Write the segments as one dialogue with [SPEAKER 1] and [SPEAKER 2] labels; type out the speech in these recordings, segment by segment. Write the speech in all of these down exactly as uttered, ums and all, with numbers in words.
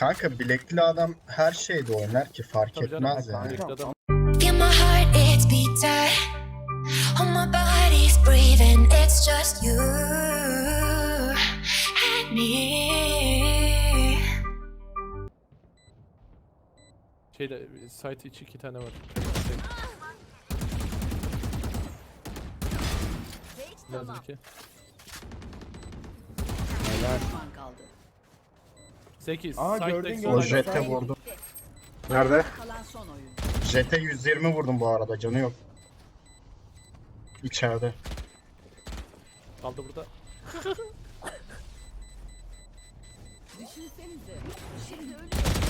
[SPEAKER 1] Kanka bilekli adam her şeyde oynar ki fark
[SPEAKER 2] Tabii canım,
[SPEAKER 1] etmez yani.
[SPEAKER 2] bilekli adam.
[SPEAKER 3] Feel my heart, it's beating. All my body's breathing. It's just you and me.
[SPEAKER 2] Şeyde site içi iki tane var. Lazım iki.
[SPEAKER 4] Düşman kaldı.
[SPEAKER 2] sekiz.
[SPEAKER 5] Aa,
[SPEAKER 2] Site
[SPEAKER 5] gördün,
[SPEAKER 2] tek
[SPEAKER 5] gördün.
[SPEAKER 1] O
[SPEAKER 2] sol
[SPEAKER 1] jete
[SPEAKER 2] site.
[SPEAKER 1] vurdum. Nerede?
[SPEAKER 4] Kalan son oyun.
[SPEAKER 1] Jete yüz yirmi vurdum bu arada, canı yok. İçeride.
[SPEAKER 2] Kaldı burada.
[SPEAKER 4] Düşünsenize. Şimdi ölüyorum.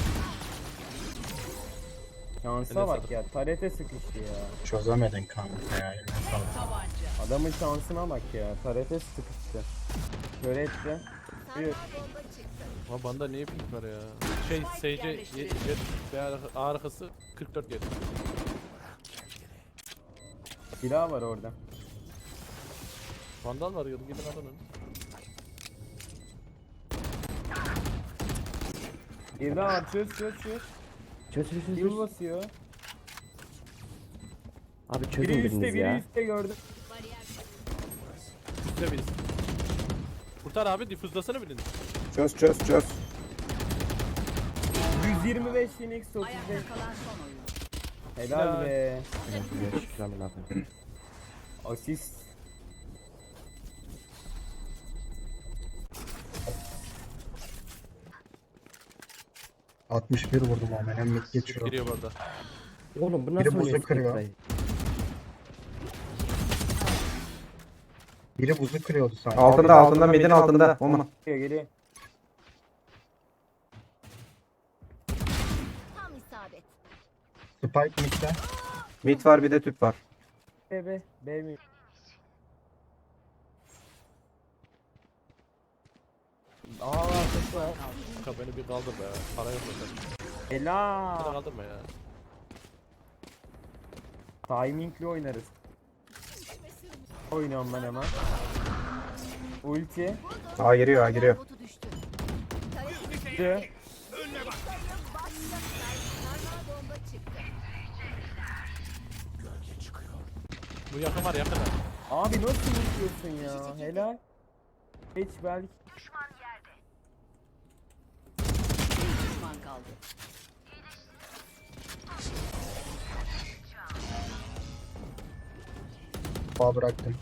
[SPEAKER 5] Şansa bak ya. Tarete sıkıştı ya.
[SPEAKER 1] Çözemedin kanka ya. eline sağlık.
[SPEAKER 4] Tabanca.
[SPEAKER 5] Adamın şansına bak ya. Tarete sıkıştı. Şöyle etti. Bir.
[SPEAKER 2] Ama banda niye pink var ya? Şey Sage'e yet veya arkası kırk dört yedi.
[SPEAKER 5] Silah var orada.
[SPEAKER 2] Vandal var yolu gidin alın.
[SPEAKER 5] Bir daha var. Çöz çöz çöz.
[SPEAKER 6] Çöz çöz çöz.
[SPEAKER 5] Yıl basıyor.
[SPEAKER 6] Abi çözün
[SPEAKER 5] Biri
[SPEAKER 6] biriniz
[SPEAKER 5] üstte biri
[SPEAKER 6] ya.
[SPEAKER 5] üstte gördüm.
[SPEAKER 2] Üstte biz. Kurtar abi difuzlasana birini.
[SPEAKER 1] Çöz çöz çöz.
[SPEAKER 5] yüz yirmi beş Phoenix otuz beş.
[SPEAKER 4] Ayakta kalan son oyun.
[SPEAKER 5] Helal
[SPEAKER 2] Helal.
[SPEAKER 5] be.
[SPEAKER 6] Şükran ne yapayım.
[SPEAKER 5] Asist.
[SPEAKER 1] altmış bir vurdum ama hem mid geçiyor.
[SPEAKER 2] Giriyor bu arada.
[SPEAKER 6] Oğlum bu
[SPEAKER 1] Biri
[SPEAKER 6] nasıl
[SPEAKER 1] buzu
[SPEAKER 6] oynuyor
[SPEAKER 1] kırıyor.
[SPEAKER 6] Spectre'yi?
[SPEAKER 1] Biri buzu kırıyordu sanki.
[SPEAKER 7] Altında altında midin altında. Oman.
[SPEAKER 5] Geliyor geliyor.
[SPEAKER 4] Tam isabet.
[SPEAKER 1] Spike mid'de.
[SPEAKER 7] Mid var bir de tüp var.
[SPEAKER 5] B B. B mi? Aa arkası var.
[SPEAKER 2] Kanka beni bir kaldır be. Para yok zaten. Beni
[SPEAKER 5] Helal.
[SPEAKER 2] kaldırma ya.
[SPEAKER 5] Timingli oynarız. Oynuyorum ben hemen. Ulti.
[SPEAKER 7] Aa giriyor, aa giriyor.
[SPEAKER 4] Botu düştü.
[SPEAKER 5] Çıktı.
[SPEAKER 4] Bomba çıktı.
[SPEAKER 2] Bu yakın var yakın.
[SPEAKER 5] Abi nasıl unutuyorsun ya? Helal. Hiç belki.
[SPEAKER 4] Bir düşman kaldı.
[SPEAKER 1] Bağ bıraktım.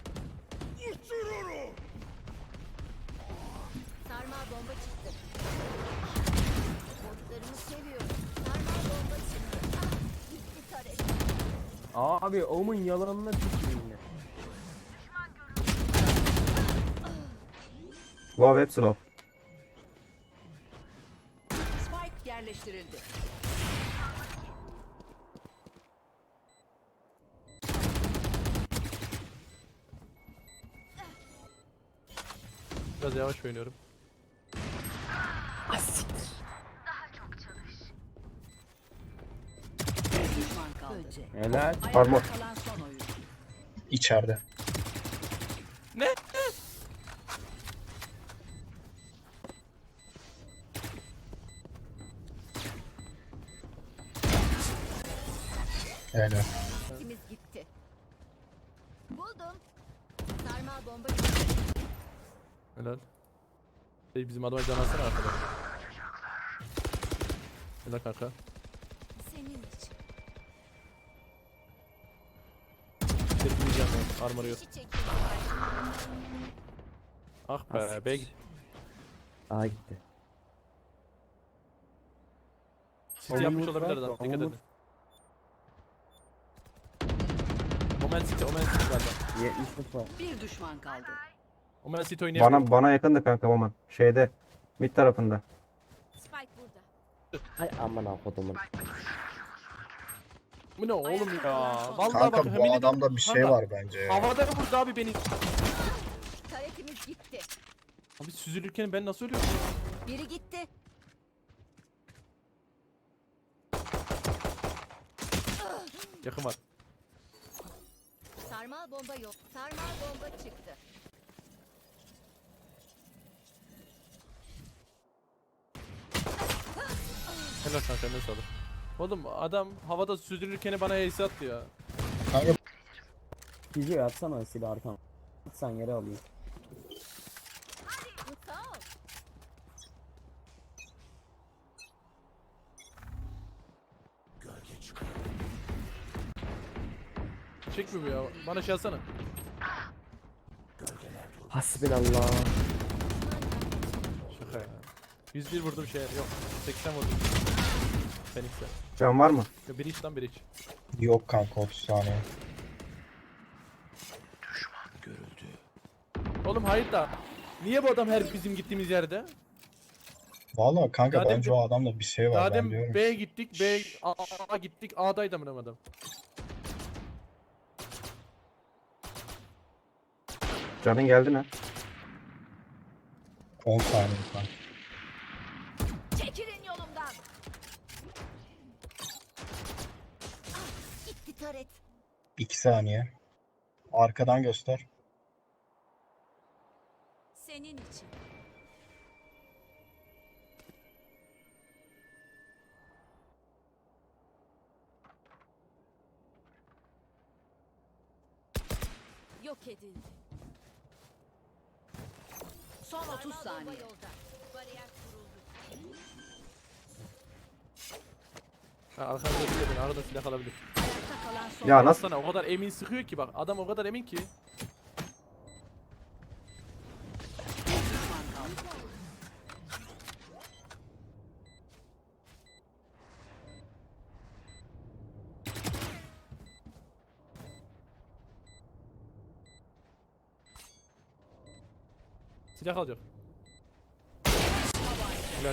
[SPEAKER 4] Sarmal bomba çıktı. Botlarımı seviyorum. Sarmal bomba çıktı. Ah, gitti taret.
[SPEAKER 5] Abi Omun yalanına tüküreyim yine.
[SPEAKER 7] Wow hep slow.
[SPEAKER 4] Spike yerleştirildi.
[SPEAKER 2] Biraz yavaş oynuyorum.
[SPEAKER 4] Bir düşman kaldı.
[SPEAKER 5] Helal.
[SPEAKER 4] Ayakta
[SPEAKER 7] Armor.
[SPEAKER 4] kalan son oyun.
[SPEAKER 1] İçeride.
[SPEAKER 2] Ne?
[SPEAKER 1] Öyle.
[SPEAKER 4] İkimiz gitti. Buldum. Sarmal bomba çıktı.
[SPEAKER 2] Helal. Şey bizim adama can alsana arkada. Helal kanka.
[SPEAKER 4] Senin için.
[SPEAKER 2] Tepkileyeceğim ben. Armor yok.
[SPEAKER 4] İşi çekiyor.
[SPEAKER 2] Ah be. Bey.
[SPEAKER 6] Aa gitti.
[SPEAKER 2] City yapmış
[SPEAKER 5] Omuz
[SPEAKER 2] olabilir
[SPEAKER 5] var,
[SPEAKER 2] adam. Dikkat
[SPEAKER 5] omuz.
[SPEAKER 2] edin. Omen City, Omen City galiba.
[SPEAKER 5] yetmiş var.
[SPEAKER 4] Bir düşman kaldı.
[SPEAKER 2] Omen City oynayabilir.
[SPEAKER 7] Bana bana yakındı kanka Oman. Şeyde. Mid tarafında.
[SPEAKER 4] Spike burada.
[SPEAKER 6] Ay aman akodumun.
[SPEAKER 2] Bu ne oğlum ya? Vallahi
[SPEAKER 1] Kanka
[SPEAKER 2] bak
[SPEAKER 1] bu
[SPEAKER 2] yemin
[SPEAKER 1] adamda
[SPEAKER 2] ediyorum,
[SPEAKER 1] bir şey
[SPEAKER 2] kanka,
[SPEAKER 1] var bence ya.
[SPEAKER 2] Havada vurdu abi beni.
[SPEAKER 4] Taretimiz gitti.
[SPEAKER 2] Abi süzülürken ben nasıl ölüyorum ya?
[SPEAKER 4] Biri gitti.
[SPEAKER 2] Yakın var.
[SPEAKER 4] Sarmal bomba yok. Sarmal bomba çıktı.
[SPEAKER 2] Helal kanka ne sağlık. Oğlum adam havada süzülürken bana ace attı ya.
[SPEAKER 1] Kanka
[SPEAKER 5] Gidiyor atsana silah arkam. Sen yere alayım.
[SPEAKER 4] Bu sağ ol.
[SPEAKER 2] Çek mi bu ya? Bana şey alsana.
[SPEAKER 6] Hasbinallah.
[SPEAKER 2] Şaka ya. yüz bir vurdum şey yok. seksen vurdum. Phoenix'e.
[SPEAKER 7] Can var mı?
[SPEAKER 2] Ya bir iç lan bir iç.
[SPEAKER 1] yok kanka otuz saniye.
[SPEAKER 2] Oğlum hayır da. Niye bu adam her bizim gittiğimiz yerde?
[SPEAKER 1] Valla kanka
[SPEAKER 2] Daha
[SPEAKER 1] bence
[SPEAKER 2] demin-
[SPEAKER 1] o adamda bir şey var
[SPEAKER 2] Daha
[SPEAKER 1] ben
[SPEAKER 2] demin
[SPEAKER 1] diyorum.
[SPEAKER 2] B'ye gittik, B A, A gittik, A'daydı amına adam.
[SPEAKER 7] Canın geldi mi?
[SPEAKER 1] on saniye falan.
[SPEAKER 4] Çekilin yolumdan. Ah, gitti taret.
[SPEAKER 1] iki saniye. Arkadan göster.
[SPEAKER 4] Senin için. Yok edildi.
[SPEAKER 8] Son otuz
[SPEAKER 4] Sarmal bomba
[SPEAKER 8] saniye.
[SPEAKER 4] yolda. Bariyer kuruldu.
[SPEAKER 2] Ha, arkamda silah beni, arada silah alabilir.
[SPEAKER 8] Ayakta kalan son.
[SPEAKER 7] Ya nasıl?
[SPEAKER 2] Sana o kadar emin sıkıyor ki bak, adam o kadar emin ki.
[SPEAKER 8] Düşman kaldı.
[SPEAKER 2] Silah alacak. Helal.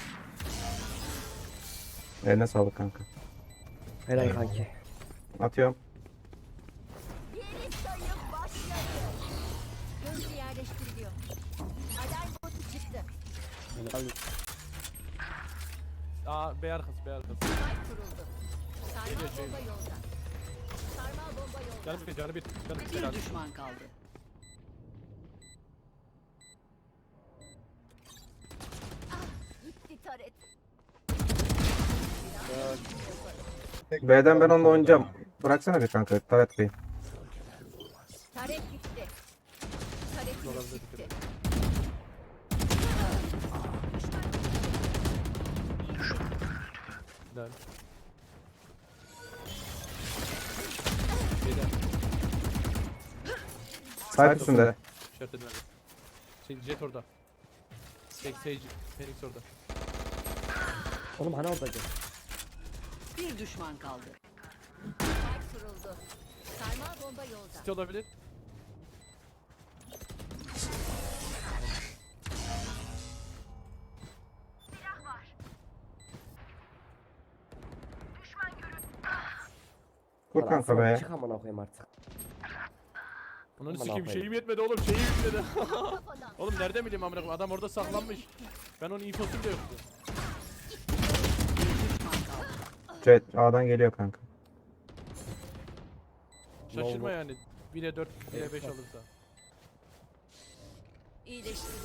[SPEAKER 7] Eline sağlık kanka.
[SPEAKER 6] Helal kanki.
[SPEAKER 7] Atıyorum.
[SPEAKER 4] Yeni sayım başladı. Gözcü yerleştiriliyor. Alarm botu çıktı.
[SPEAKER 5] Helal.
[SPEAKER 2] Aa, B arkası, B arkası.
[SPEAKER 4] Spike kuruldu. Sarmal
[SPEAKER 2] Geliyor, şey.
[SPEAKER 4] bomba yolda. Sarmal bomba yolda.
[SPEAKER 2] Canı bir, canı bir, canı bir. Helal.
[SPEAKER 8] Bir düşman kaldı.
[SPEAKER 4] Gitti taret.
[SPEAKER 7] B'den ben onunla oynayacağım. Bıraksana bir kanka. Taret Bey.
[SPEAKER 4] Taret gitti. Taret gitti.
[SPEAKER 2] Helal. B'den.
[SPEAKER 7] Sahip üstünde.
[SPEAKER 2] İşaret edin hadi. Şey, jet orada. Şey, Sage, Phoenix orada.
[SPEAKER 6] Oğlum hani oradaydı?
[SPEAKER 8] Bir düşman kaldı.
[SPEAKER 4] Spike kuruldu. Sarmal bomba yolda.
[SPEAKER 2] City olabilir.
[SPEAKER 7] Kur kanka be.
[SPEAKER 6] Çık amına koyayım artık.
[SPEAKER 2] Onun
[SPEAKER 6] Aman
[SPEAKER 2] sikeyim
[SPEAKER 6] Allah'ım.
[SPEAKER 2] şeyim yetmedi oğlum, şeyim yetmedi.
[SPEAKER 4] Kafadan.
[SPEAKER 2] Oğlum nereden bileyim amına koyayım, adam orada saklanmış. Ben onun infosu bile yoktu.
[SPEAKER 7] Jet A'dan geliyor kanka.
[SPEAKER 2] Şaşırma yani. bire dört, bire beş olursa.
[SPEAKER 4] İyileştiriliyor.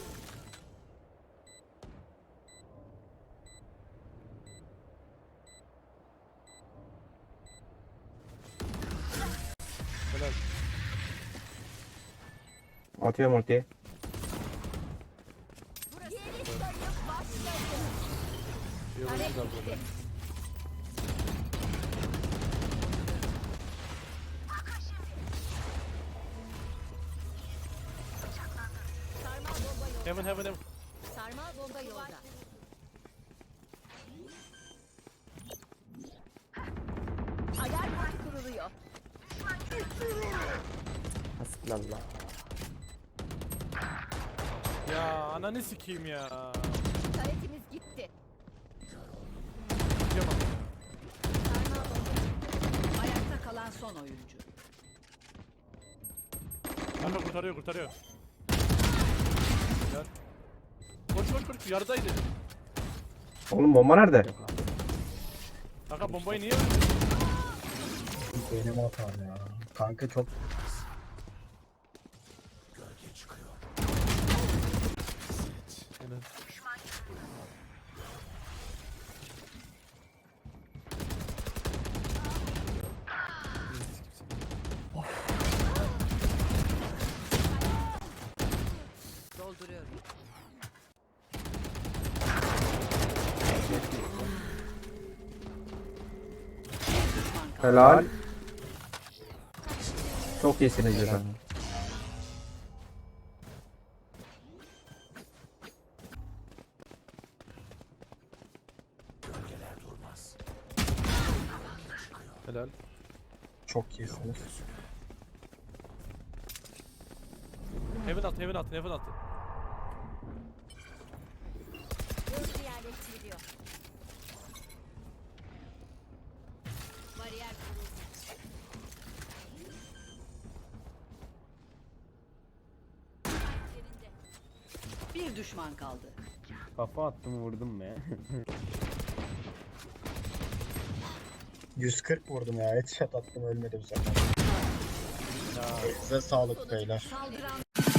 [SPEAKER 2] Helal.
[SPEAKER 7] Atıyorum ultiyi.
[SPEAKER 4] Yeni sayım başladı.
[SPEAKER 2] İyi olursa burada.
[SPEAKER 4] Sarmal bomba yolda.
[SPEAKER 2] Heaven heaven heaven.
[SPEAKER 4] Sarmal bomba yolda. Alarm botu kuruluyor.
[SPEAKER 6] Hasbinallah.
[SPEAKER 2] Ya ananı sikeyim ya.
[SPEAKER 4] Taretimiz gitti.
[SPEAKER 2] Yapamam.
[SPEAKER 4] Sarmal bomba.
[SPEAKER 8] Ayakta kalan son oyuncu.
[SPEAKER 2] Kanka kurtarıyor kurtarıyor. Helal. Koş koş koş, yarıdaydı.
[SPEAKER 7] Oğlum bomba nerede?
[SPEAKER 2] Kanka bombayı niye öldürdün?
[SPEAKER 1] Benim hatam ya. Kanka çok
[SPEAKER 2] Helal.
[SPEAKER 7] Helal. Çok iyisiniz efendim.
[SPEAKER 2] Helal.
[SPEAKER 1] Çok iyisiniz.
[SPEAKER 2] Heaven at, heaven at, heaven at.
[SPEAKER 4] Hızlı yerleştiriliyor. Bariyer kuruldu. Yerinde.
[SPEAKER 8] Bir düşman kaldı.
[SPEAKER 5] Kafa attım vurdum be.
[SPEAKER 1] yüz kırk vurdum ya. Headshot attım ölmedi bu sefer. Size sağlık beyler.
[SPEAKER 4] Saldıran